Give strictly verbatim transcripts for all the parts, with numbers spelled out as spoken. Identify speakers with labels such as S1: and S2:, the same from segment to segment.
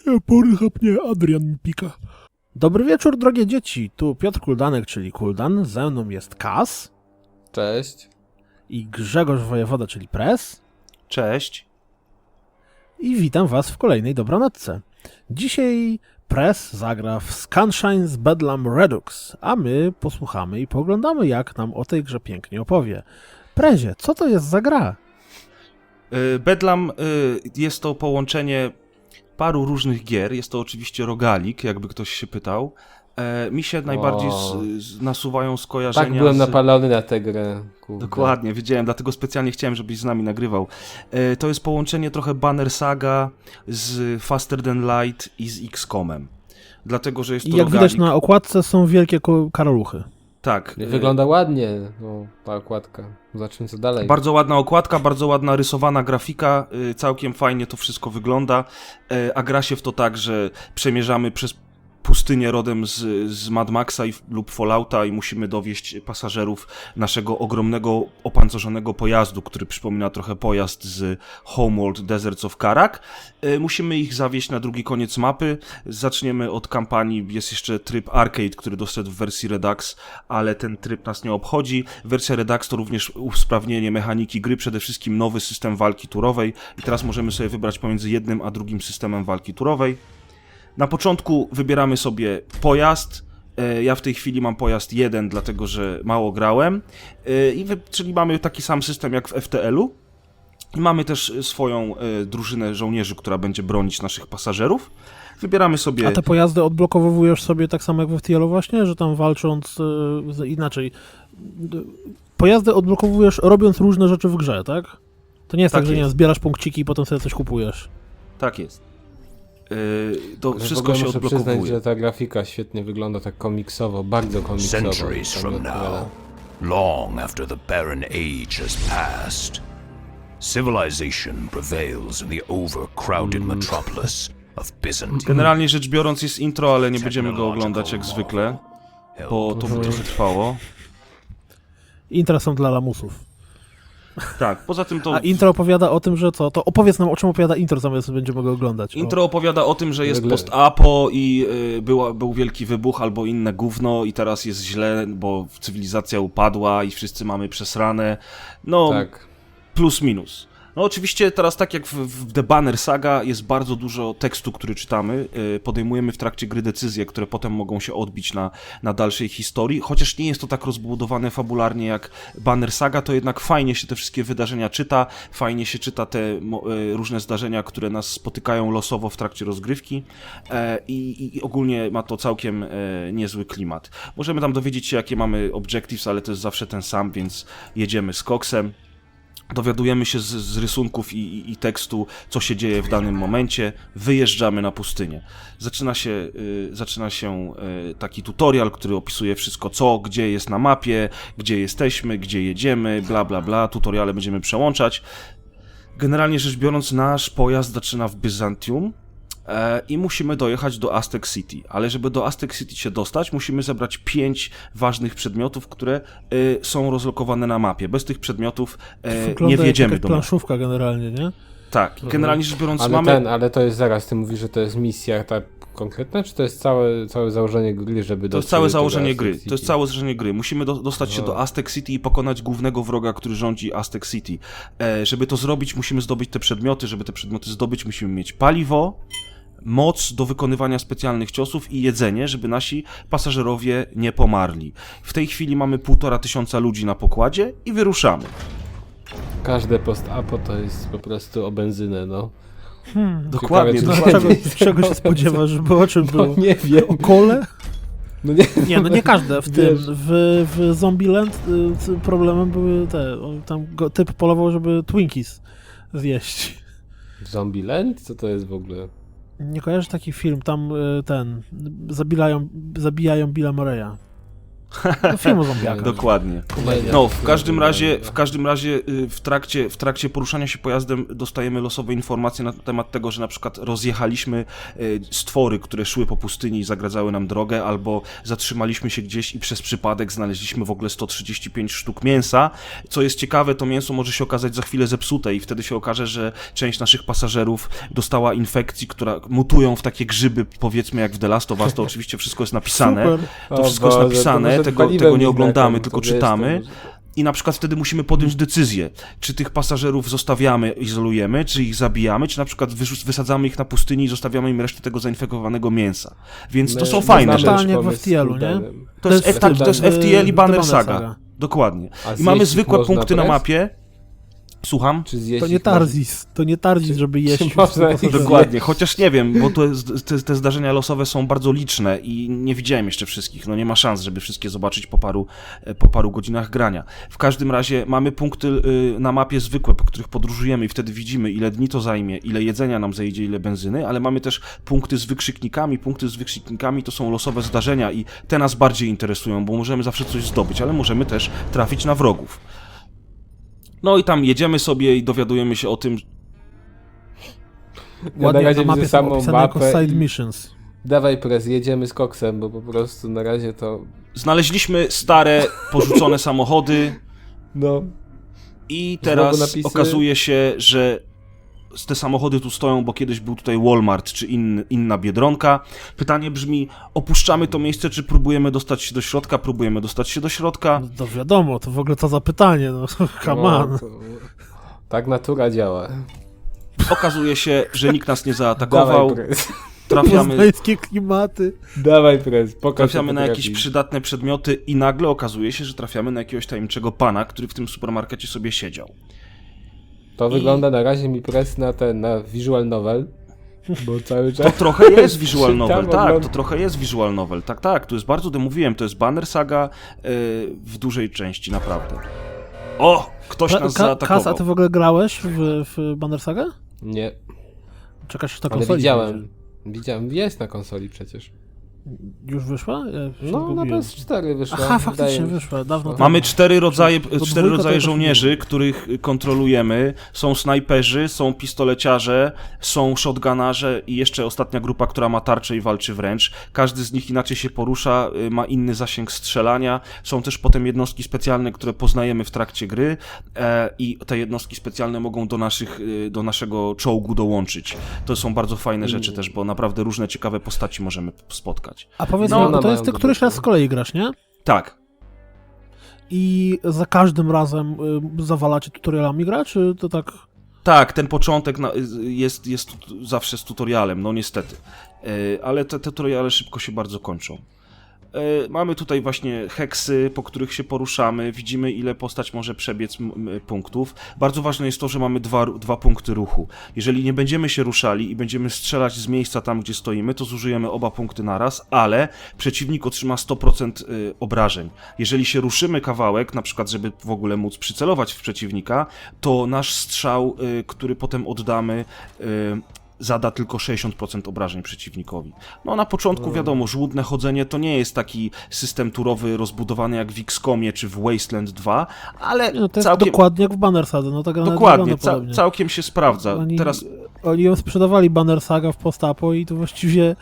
S1: Pornhub nie, Adrian mi pika. Dobry wieczór, drogie dzieci. Tu Piotr Kuldanek, czyli Kuldan. Ze mną jest Kas.
S2: Cześć.
S1: I Grzegorz Wojewoda, czyli Press.
S3: Cześć.
S1: I witam was w kolejnej dobranocce. Dzisiaj Press zagra w Scunshine's Bedlam Redux, a my posłuchamy i poglądamy, jak nam o tej grze pięknie opowie. Prezie, co to jest za gra?
S3: Bedlam jest to połączenie paru różnych gier. Jest to oczywiście rogalik, jakby ktoś się pytał. Mi się najbardziej z, z nasuwają skojarzenia.
S2: Tak, byłem
S3: z...
S2: napalony na tę grę. Kurde.
S3: Dokładnie, wiedziałem, dlatego specjalnie chciałem, żebyś z nami nagrywał. To jest połączenie trochę Banner Saga z Faster Than Light i z X COM-em. Dlatego, że jest to
S1: I jak
S3: rogalik.
S1: widać na okładce są wielkie karoluchy.
S3: Tak.
S2: Wygląda ładnie, no, ta okładka. Zobaczymy, co dalej.
S3: Bardzo ładna okładka, bardzo ładna rysowana grafika, całkiem fajnie to wszystko wygląda, a gra się w to tak, że przemierzamy przez pustynię rodem z, z Mad Maxa i, lub Fallouta i musimy dowieźć pasażerów naszego ogromnego, opancerzonego pojazdu, który przypomina trochę pojazd z Homeworld Deserts of Karak. E, musimy ich zawieźć na drugi koniec mapy. Zaczniemy od kampanii, jest jeszcze tryb Arcade, który doszedł w wersji Redux, ale ten tryb nas nie obchodzi. Wersja Redux to również usprawnienie mechaniki gry, przede wszystkim nowy system walki turowej i teraz możemy sobie wybrać pomiędzy jednym a drugim systemem walki turowej. Na początku wybieramy sobie pojazd, ja w tej chwili mam pojazd jeden, dlatego że mało grałem, I wy, czyli mamy taki sam system jak w F T L-u i mamy też swoją drużynę żołnierzy, która będzie bronić naszych pasażerów. Wybieramy sobie...
S1: A te pojazdy odblokowujesz sobie tak samo jak w F T L-u właśnie, że tam walcząc yy, inaczej. Pojazdy odblokowujesz robiąc różne rzeczy w grze, tak? To nie jest tak, tak że nie, zbierasz punkciki i potem sobie coś kupujesz.
S3: Tak jest. To
S2: Ale
S3: wszystko się
S2: muszę
S3: odblokowuje.
S2: przyznać, że ta grafika świetnie wygląda, tak komiksowo, bardzo komiksowo.
S4: Centuries from now, long after the barren age has passed, civilization prevails in the overcrowded metropolis of Byzantium.
S3: Generalnie rzecz biorąc jest intro, ale nie będziemy go oglądać jak zwykle, bo to by trochę trwało.
S1: Intra są dla lamusów.
S3: Tak, poza tym to...
S1: A intro opowiada o tym, że co? To opowiedz nam, o czym opowiada intro, zamiast będziemy go oglądać.
S3: Intro opowiada o tym, że jest post-apo i y, była, był wielki wybuch albo inne gówno i teraz jest źle, bo cywilizacja upadła i wszyscy mamy przesrane. No,
S2: tak.
S3: Plus minus. No oczywiście teraz tak jak w, w The Banner Saga jest bardzo dużo tekstu, który czytamy, yy, podejmujemy w trakcie gry decyzje, które potem mogą się odbić na, na dalszej historii, chociaż nie jest to tak rozbudowane fabularnie jak Banner Saga, to jednak fajnie się te wszystkie wydarzenia czyta, fajnie się czyta te yy, różne zdarzenia, które nas spotykają losowo w trakcie rozgrywki yy, i, i ogólnie ma to całkiem yy, niezły klimat. Możemy tam dowiedzieć się, jakie mamy objectives, ale to jest zawsze ten sam, więc jedziemy z koksem. Dowiadujemy się z, z rysunków i, i, i tekstu, co się dzieje w danym momencie, wyjeżdżamy na pustynię. Zaczyna się, y, zaczyna się y, taki tutorial, który opisuje wszystko, co, gdzie jest na mapie, gdzie jesteśmy, gdzie jedziemy, bla bla bla, tutoriale będziemy przełączać. Generalnie rzecz biorąc, nasz pojazd zaczyna w Byzantium, i musimy dojechać do Aztec City, ale żeby do Aztec City się dostać, musimy zebrać pięć ważnych przedmiotów, które y, są rozlokowane na mapie. Bez tych przedmiotów y, nie wjedziemy
S1: jak
S3: do mapy.
S1: planszówka generalnie, nie?
S3: Tak, generalnie rzecz biorąc
S2: ale
S3: mamy...
S2: Ten, ale to jest zaraz, ty mówisz, że to jest misja tak konkretna, czy to jest całe, całe założenie gry, żeby
S3: To jest całe założenie gry, to jest całe założenie gry. Musimy do, dostać się do Aztec City i pokonać głównego wroga, który rządzi Aztec City. E, żeby to zrobić, musimy zdobyć te przedmioty, żeby te przedmioty zdobyć, musimy mieć paliwo, moc do wykonywania specjalnych ciosów i jedzenie, żeby nasi pasażerowie nie pomarli. W tej chwili mamy półtora tysiąca ludzi na pokładzie i wyruszamy.
S2: Każde post-apo to jest po prostu o benzynę, no.
S1: Hmm,
S3: dokładnie.
S2: Ciekawe,
S1: dokładnie. Czego, czego się spodziewasz, żeby o czym było?
S2: No, nie wiem.
S1: O kole?
S2: No nie.
S1: Nie, no nie każde. W tym,
S2: Wiesz.
S1: w, w Zombieland y, problemem były te, tam go, typ polował, żeby Twinkies zjeść.
S2: Zombieland? Co to jest w ogóle?
S1: Nie kojarzysz taki film, tam y, ten, zabijają, zabijają Billa Murraya. Do filmu zombiaka.
S3: Dokładnie.
S2: Nie,
S3: No,
S2: nie,
S3: w
S2: nie,
S3: każdym
S2: nie,
S3: razie,
S2: nie.
S3: w każdym razie y, w trakcie, w trakcie poruszania się pojazdem dostajemy losowe informacje na temat tego, że na przykład rozjechaliśmy y, stwory, które szły po pustyni i zagradzały nam drogę, albo zatrzymaliśmy się gdzieś i przez przypadek znaleźliśmy w ogóle sto trzydzieści pięć sztuk mięsa. Co jest ciekawe, to mięso może się okazać za chwilę zepsute i wtedy się okaże, że część naszych pasażerów dostała infekcji, która mutują w takie grzyby, powiedzmy jak w The Last of Us, to oczywiście wszystko jest napisane.
S1: Super.
S3: To
S2: O
S3: wszystko jest
S2: Boże, to
S3: napisane,
S2: może
S3: tego,
S2: paliwem
S3: tego nie
S2: ich
S3: oglądamy,
S2: nakarm,
S3: tylko
S2: to wiesz,
S3: czytamy.
S2: to może-
S3: I na przykład wtedy musimy podjąć decyzję, czy tych pasażerów zostawiamy, izolujemy, czy ich zabijamy, czy na przykład wyrzu- wysadzamy ich na pustyni i zostawiamy im resztę tego zainfekowanego mięsa. Więc to
S2: My-
S3: są
S2: my
S3: fajne
S2: znamy
S3: rzeczy.
S1: Totalnie jak w
S2: pomysł
S1: F T L-u,
S2: z
S1: nie?
S2: Kuldanem.
S3: To jest,
S1: jest
S3: tak, to jest
S1: w-
S3: F T L i
S1: w
S3: Banner
S1: Banner
S3: Saga.
S1: Saga.
S3: Dokładnie.
S2: A
S3: I mamy
S2: zjeść
S3: zwykłe
S2: można
S3: punkty na
S2: press?
S3: mapie. Słucham?
S2: Czy zjeść
S1: To nie
S2: ich można?
S1: Tarzis, to nie Tarzis, żeby jeść.
S2: czy można
S1: wszystko,
S2: ich
S1: co-
S3: Dokładnie, chociaż nie wiem, bo to jest, te, te zdarzenia losowe są bardzo liczne i nie widziałem jeszcze wszystkich, no nie ma szans, żeby wszystkie zobaczyć po paru, po paru godzinach grania. W każdym razie mamy punkty y, na mapie zwykłe, po których podróżujemy i wtedy widzimy, ile dni to zajmie, ile jedzenia nam zejdzie, ile benzyny, ale mamy też punkty z wykrzyknikami. Punkty z wykrzyknikami to są losowe zdarzenia i te nas bardziej interesują, bo możemy zawsze coś zdobyć, ale możemy też trafić na wrogów. No i tam jedziemy sobie i dowiadujemy się o tym.
S2: Ja na
S1: Ładnie
S2: razie
S1: na mapie
S2: widzę
S1: są
S2: samą
S1: opisane jako
S2: mapę
S1: side
S2: i-
S1: missions.
S2: Dawaj prez, jedziemy z koksem, bo po prostu na razie to...
S3: Znaleźliśmy stare, porzucone samochody
S2: No,
S3: i
S2: Znowu
S3: teraz
S2: napisy.
S3: okazuje się, że te samochody tu stoją, bo kiedyś był tutaj Walmart czy in, inna Biedronka. Pytanie brzmi, opuszczamy to miejsce, czy próbujemy dostać się do środka? Próbujemy dostać się do środka.
S1: No to wiadomo, to w ogóle to zapytanie, no come
S2: no,
S1: on.
S2: to... Tak natura działa.
S3: Okazuje się, że nikt nas nie zaatakował.
S2: Dawaj prez.
S3: Trafiamy,
S1: Poznańskie klimaty.
S2: Dawaj prez, pokaż
S3: trafiamy
S2: co
S3: na jakieś
S2: potrafisz.
S3: przydatne przedmioty i nagle okazuje się, że trafiamy na jakiegoś tajemniczego pana, który w tym supermarkecie sobie siedział.
S2: To
S3: I-
S2: wygląda na razie mi prez na ten, na visual novel, bo cały czas...
S3: To trochę jest visual novel,
S2: Czytam,
S3: tak,
S2: oglądam.
S3: to trochę jest visual novel, tak, tak, to jest bardzo, mówiłem, to jest Banner Saga yy, w dużej części, naprawdę. O, ktoś nas
S1: Ka- Kas, a
S3: zaatakował.
S1: ty w ogóle grałeś w, w Banner Saga?
S2: Nie,
S1: Czekasz na
S2: ale
S1: konsoli?
S2: widziałem. Widziałem, jest na konsoli przecież.
S1: Już wyszła? Ja się
S2: No, na
S1: zgubiłem.
S2: P S cztery wyszła.
S1: Aha,
S2: wydaje
S1: faktycznie
S2: mi się.
S1: wyszła, dawno temu.
S3: Mamy cztery rodzaje,
S1: Do
S3: cztery
S1: dwójka to
S3: rodzaje
S1: jakoś
S3: żołnierzy,
S1: nie
S3: których kontrolujemy. Są snajperzy, są pistoleciarze, są shotgunarze i jeszcze ostatnia grupa, która ma tarczę i walczy wręcz. Każdy z nich inaczej się porusza, y, ma inny zasięg strzelania. Są też potem jednostki specjalne, które poznajemy w trakcie gry e, i te jednostki specjalne mogą do, naszych, y, do naszego czołgu dołączyć. To są bardzo fajne rzeczy też, bo naprawdę różne ciekawe postaci możemy spotkać.
S1: A powiedz
S3: No,
S1: mi,
S2: one
S1: bo to
S2: mają
S1: jest ty
S2: dobre
S1: któryś
S2: to.
S1: raz z kolei grasz, nie?
S3: Tak.
S1: I za każdym razem y, zawalacie tutorialami gra, czy to tak...
S3: Tak, ten początek na, jest, jest tu- zawsze z tutorialem, no niestety. E, Ale te tutoriale szybko się bardzo kończą. E, Mamy tutaj właśnie heksy, po których się poruszamy, widzimy ile postać może przebiec m- m- punktów. Bardzo ważne jest to, że mamy dwa, dwa punkty ruchu. Jeżeli nie będziemy się ruszali i będziemy strzelać z miejsca tam, gdzie stoimy, to zużyjemy oba punkty naraz, ale przeciwnik otrzyma sto procent y, obrażeń. Jeżeli się ruszymy kawałek, na przykład żeby w ogóle móc przycelować w przeciwnika, to nasz strzał, y, który potem oddamy, y, zada tylko sześćdziesiąt procent obrażeń przeciwnikowi. No na początku wiadomo, żłudne chodzenie to nie jest taki system turowy rozbudowany jak w X COMie czy w Wasteland dwa, ale
S1: No to jest
S3: całkiem,
S1: dokładnie jak w Banner Sadze, no tak
S3: dokładnie ca,
S1: podobnie.
S3: całkiem się sprawdza.
S1: Oni,
S3: Teraz
S1: oni ją sprzedawali Banner Saga w postapo i to właściwie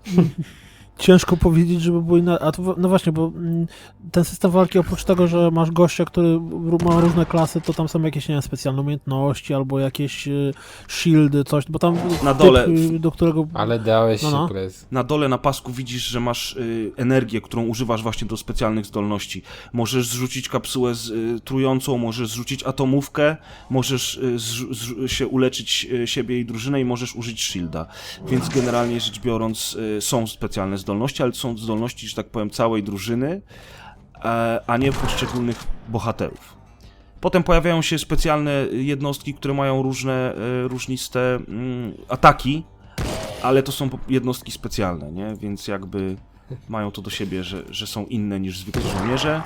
S1: ciężko powiedzieć, żeby było inaczej. A to, no właśnie, bo mm, ten system walki oprócz tego, że masz gościa, który ró- ma różne klasy, to tam są jakieś, nie wiem, specjalne umiejętności albo jakieś y, shieldy, coś, bo tam
S3: Na
S1: typ,
S3: dole-
S1: y, do którego...
S2: Ale dałeś
S1: No,
S2: się
S1: no.
S2: prez.
S3: na dole na pasku widzisz, że masz y, energię, którą używasz właśnie do specjalnych zdolności. Możesz zrzucić kapsułę z, y, trującą, możesz zrzucić atomówkę, możesz y, zrzu- zrzu- się uleczyć y, siebie i drużynę i możesz użyć shielda. Więc generalnie rzecz biorąc y, są specjalne zdolności, ale to są zdolności, że tak powiem, całej drużyny, e, a nie poszczególnych bohaterów. Potem pojawiają się specjalne jednostki, które mają różne, e, różniste mm, ataki, ale to są po- jednostki specjalne, nie? Więc jakby mają to do siebie, że, że są inne niż zwykłe żołnierze.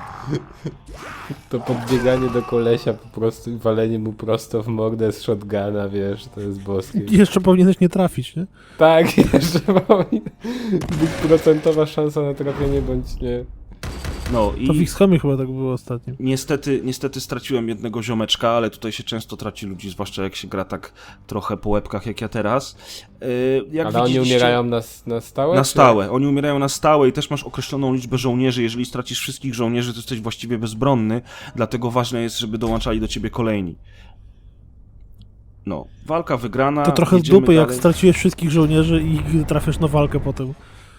S2: To podbieganie do kolesia po prostu i walenie mu prosto w mordę z shotguna, wiesz, to jest boskie.
S1: Jeszcze powinieneś nie trafić, nie?
S2: Tak, jeszcze powinna być procentowa szansa na trafienie bądź nie.
S3: No
S1: To w
S3: i
S1: X-Comie chyba tak było ostatnio.
S3: niestety, niestety straciłem jednego ziomeczka, ale tutaj się często traci ludzi, zwłaszcza jak się gra tak trochę po łebkach jak ja teraz. Yy, jak
S2: Ale oni
S3: widzieliście-
S2: umierają na, na stałe?
S3: Na
S2: czy-
S3: stałe. Oni umierają na stałe i też masz określoną liczbę żołnierzy. Jeżeli stracisz wszystkich żołnierzy, to jesteś właściwie bezbronny, dlatego ważne jest, żeby dołączali do ciebie kolejni. No, walka wygrana.
S1: To trochę z
S3: jedziemy
S1: dupy, jak
S3: dalej.
S1: straciłeś wszystkich żołnierzy i trafiasz na walkę potem.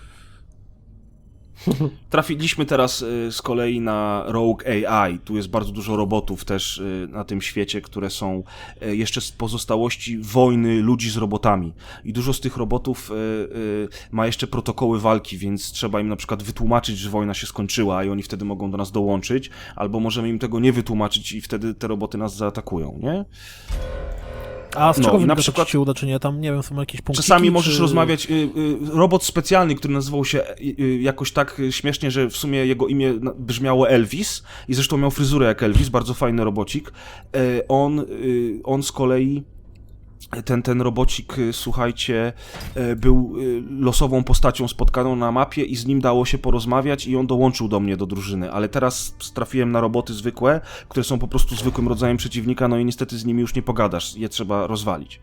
S3: Trafiliśmy teraz y, z kolei na Rogue A I. Tu jest bardzo dużo robotów też y, na tym świecie, które są y, jeszcze z pozostałości wojny ludzi z robotami. I dużo z tych robotów y, y, ma jeszcze protokoły walki, więc trzeba im na przykład wytłumaczyć, że wojna się skończyła i oni wtedy mogą do nas dołączyć, albo możemy im tego nie wytłumaczyć i wtedy te roboty nas zaatakują, nie?
S1: A z
S3: No,
S1: czego
S3: i
S1: wynika,
S3: na
S1: czy
S3: przykład-
S1: ci się uda, czy nie? Tam, nie wiem, są jakieś punkty.
S3: Czasami możesz rozmawiać, y, y, robot specjalny, który nazywał się y, y, jakoś tak y, śmiesznie, że w sumie jego imię na- brzmiało Elvis i zresztą miał fryzurę jak Elvis, bardzo fajny robocik. Y, on, y, on z kolei, ten, ten robocik, y, słuchajcie, y, był y, losową postacią spotkaną na mapie i z nim dało się porozmawiać i on dołączył do mnie do drużyny, ale teraz trafiłem na roboty zwykłe, które są po prostu zwykłym rodzajem przeciwnika, no i niestety z nimi już nie pogadasz, je trzeba rozwalić.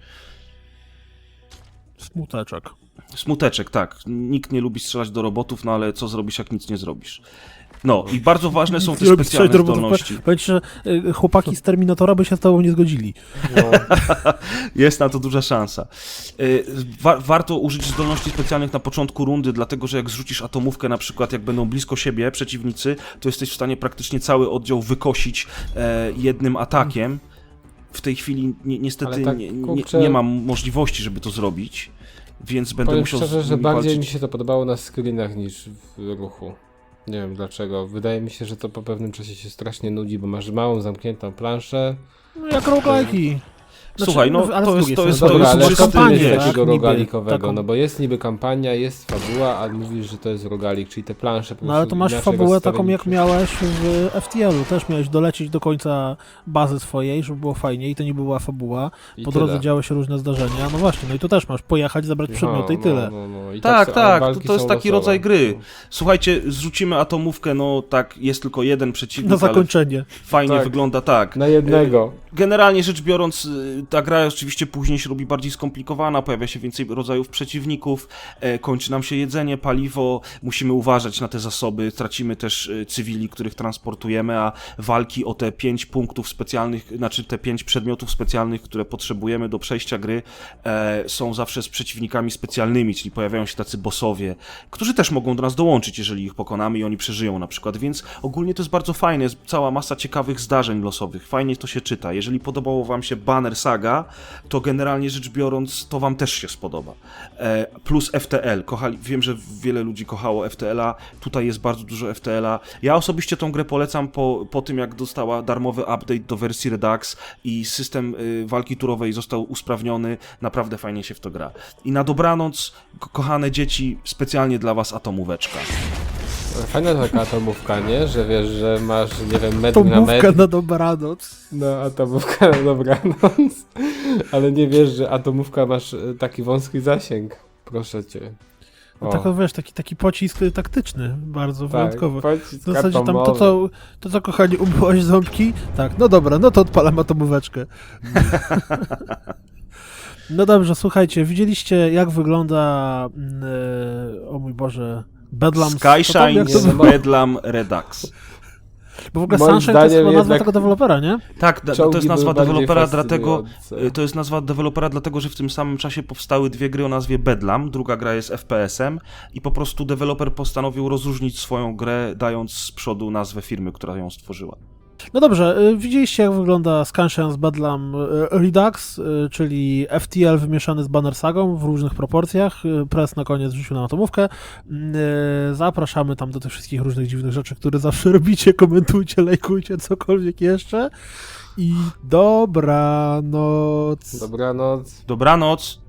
S1: Smuteczek.
S3: Smuteczek, tak. Nikt nie lubi strzelać do robotów, no ale co zrobisz, jak nic nie zrobisz. No i bardzo ważne są te
S1: Nie lubi strzelać
S3: specjalne
S1: do robotów.
S3: zdolności.
S1: Powiedz, że y, chłopaki z Terminatora by się z tobą nie zgodzili.
S2: No.
S3: Jest na to duża szansa. Y, Wa warto użyć zdolności specjalnych na początku rundy, dlatego że jak zrzucisz atomówkę, na przykład jak będą blisko siebie przeciwnicy, to jesteś w stanie praktycznie cały oddział wykosić e, jednym atakiem. W tej chwili ni niestety
S2: Ale tak,
S3: nie, nie,
S2: kurczę-
S3: nie mam możliwości, żeby to zrobić, więc będę
S2: Powiem
S3: musiał
S2: szczerze,
S3: z
S2: że
S3: nimi
S2: bardziej
S3: walczyć.
S2: mi się to podobało na screenach niż w ruchu. Nie wiem dlaczego. Wydaje mi się, że to po pewnym czasie się strasznie nudzi, bo masz małą, zamkniętą planszę.
S1: No jak roguelike'i.
S3: Słuchaj, no,
S1: ale z
S3: to jest-
S1: drugiej
S3: to jest-
S2: No
S1: strony
S2: dobra, ale
S3: czysty,
S2: co ty jest
S3: wiesz,
S2: takiego
S1: niby,
S2: rogalikowego?
S1: taką-
S2: No bo jest niby kampania, jest fabuła, a mówisz, że to jest rogalik, czyli te plansze po
S1: No ale
S2: prostu
S1: to masz
S2: inaczej
S1: fabułę taką,
S2: rozstawione
S1: jak
S2: niż-
S1: miałeś w F T L-u. Też miałeś dolecieć do końca bazy swojej, żeby było fajnie i to nie była fabuła.
S2: i
S1: Po
S2: tyle.
S1: drodze działy się różne zdarzenia. No właśnie, no i tu też masz pojechać, zabrać przedmioty i
S2: No,
S1: tyle.
S2: No, no, no. I
S3: Tak,
S2: są-
S3: tak,
S2: walki
S3: to, to jest
S2: są
S3: taki
S2: losowe.
S3: rodzaj gry. Słuchajcie, zrzucimy atomówkę, no tak, jest tylko jeden przeciwnik,
S1: Na
S3: ale
S1: zakończenie.
S3: fajnie
S2: Tak.
S3: wygląda tak.
S2: Na jednego.
S3: Generalnie rzecz biorąc, y, ta gra oczywiście później się robi bardziej skomplikowana, pojawia się więcej rodzajów przeciwników, e, kończy nam się jedzenie, paliwo, musimy uważać na te zasoby, tracimy też y, cywili, których transportujemy, a walki o te pięć punktów specjalnych, znaczy te pięć przedmiotów specjalnych, które potrzebujemy do przejścia gry, e, są zawsze z przeciwnikami specjalnymi, czyli pojawiają się tacy bossowie, którzy też mogą do nas dołączyć, jeżeli ich pokonamy i oni przeżyją na przykład, więc ogólnie to jest bardzo fajne, jest cała masa ciekawych zdarzeń losowych, fajnie to się czyta. Jeżeli podobało wam się Banner Saga, to generalnie rzecz biorąc, to wam też się spodoba. E, plus F T L. Kochali, wiem, że wiele ludzi kochało F T L a. Tutaj jest bardzo dużo F T L a. Ja osobiście tą grę polecam po, po tym, jak dostała darmowy update do wersji Redux i system y, walki turowej został usprawniony. Naprawdę fajnie się w to gra. I na dobranoc, ko kochane dzieci, specjalnie dla was atomóweczka.
S2: Fajna taka atomówka, nie? Że wiesz, że masz, nie wiem, metr
S1: To
S2: na
S1: mówka
S2: metr.
S1: na dobranoc.
S2: No, atomówka na dobranoc. Ale nie wiesz, że atomówka masz e, taki wąski zasięg. Proszę cię.
S1: No
S2: O,
S1: tak, wiesz, taki, taki pocisk y, taktyczny, bardzo wyjątkowy.
S2: pocisk
S1: W zasadzie tam to
S2: atomowy.
S1: co, to, co kochani, umyłaś ząbki? Tak, no dobra, no to odpalam atomóweczkę. No dobrze, słuchajcie, widzieliście jak wygląda, mm, e, o mój Boże, Bedlam...
S3: Skyshine
S1: jak to,
S2: nie,
S3: z
S2: no bo-
S3: Bedlam Redux.
S1: bo w ogóle
S2: moim
S1: Sunshine to jest
S2: zdaniem
S1: chyba nazwa
S2: jednak-
S1: tego dewelopera, nie?
S3: Tak, da, to
S2: Czołgi
S3: jest
S2: były
S3: nazwa
S2: bardziej
S3: dewelopera, dlatego
S2: fascynujące.
S3: y, to jest nazwa dewelopera, dlatego że w tym samym czasie powstały dwie gry o nazwie Bedlam, druga gra jest F P S-em i po prostu deweloper postanowił rozróżnić swoją grę, dając z przodu nazwę firmy, która ją stworzyła.
S1: No dobrze, y, widzieliście jak wygląda Scansion z Bedlam y, Redux, y, czyli F T L wymieszany z Banner Sagą w różnych proporcjach. Y, Press na koniec rzucił na atomówkę. Y, Zapraszamy tam do tych wszystkich różnych dziwnych rzeczy, które zawsze robicie. Komentujcie, lajkujcie, cokolwiek jeszcze. I dobranoc.
S2: Dobranoc.
S3: Dobranoc!